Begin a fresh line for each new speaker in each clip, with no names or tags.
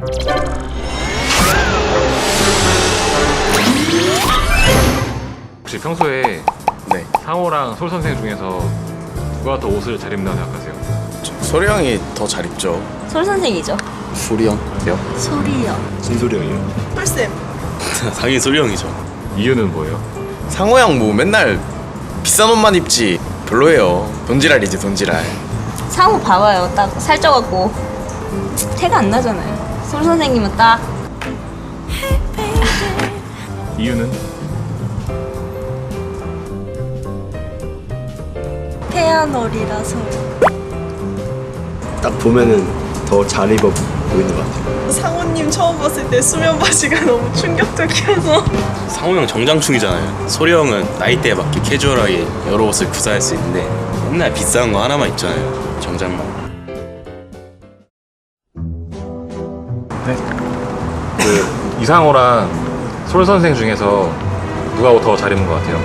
혹시 평소에
네.
상호랑 솔 선생 중에서 누가 더 옷을 잘 입는다고 생각하세요?
소리 형이 더 잘 입죠.
솔 선생이죠.
소리 형요?
소리요.
진솔이 형이요.
꿀쌤.
당연히 솔이 형이죠.
이유는 뭐예요?
상호 형 뭐 맨날 비싼 옷만 입지 별로예요. 돈지랄이지 돈지랄.
상호 봐봐요. 딱 살쪄갖고 태가 안 나잖아요. 솔 선생님은 딱
이유는?
태아놀이라서.
딱 보면은 더 잘 입어 보이는 것 같아요.
상호님 처음 봤을 때 수면 바지가 너무 충격적이어서
상호 형 정장충이잖아요. 소리 형은 나이대에 맞게 캐주얼하게 여러 옷을 구사할 수 있는데 맨날 비싼 거 하나만 입잖아요. 정장만.
이상호랑 솔 선생 중에서 누가 옷 더 잘 입는 것 같아요?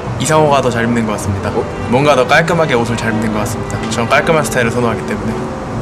이상호가 더 잘 입는 것 같습니다. 뭔가 더 깔끔하게 옷을 잘 입는 것 같습니다. 저는 깔끔한 스타일을 선호하기 때문에.